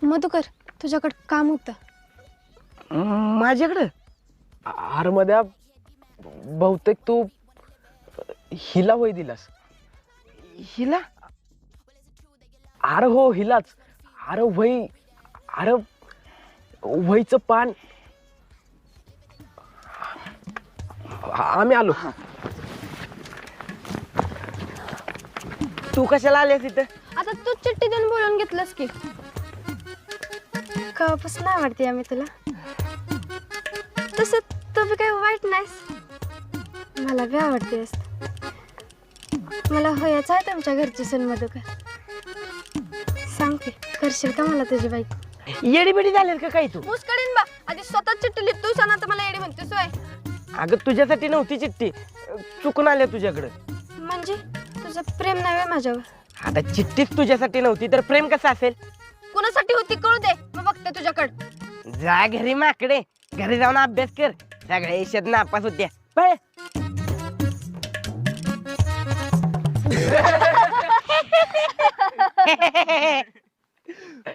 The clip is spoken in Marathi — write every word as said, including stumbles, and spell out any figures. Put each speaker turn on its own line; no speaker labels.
मधुकर तुझ्याकडे काम होतं।
माझ्याकडं? अरे मध्या बहुतेक तू हिला वय दिलास। हिला? अरे हो हिलाच। अरे वही अरे वहीचं पान। आम्ही आलो। तू कशाला आलीस इथं?
आता तू चिठ्ठी देऊन बोलून घेतलंस की कवापासून आवडते आम्ही तुला। तसं तू बी काही वाईट नाहीस, मला बी आवडतेस। मला होयाचं आहे तुमच्या घरची सून मधुकर। सांग की करशील का मला तुझी बाईक?
येडी बेडी झालेल का काही तू?
मुस्कडीन बा आधी स्वतः चिठ्ठी लिहित तू सांग, आता मला येडी म्हणतेस होय?
अगं तुझ्यासाठी नव्हती चिठ्ठी, चुकून आल्या तुझ्याकडे।
म्हणजे तुझं प्रेम नाही होय माझ्यावर?
आता चिठ्ठीच तुझ्यासाठी नव्हती तर प्रेम कसं असेल?
कुणासाठी होती कळू दे, मग बघते तुझ्याकडे।
जा घरी माकडे, घरी जाऊन अभ्यास कर। सगळ्या यशात नापास होत्या। पळ.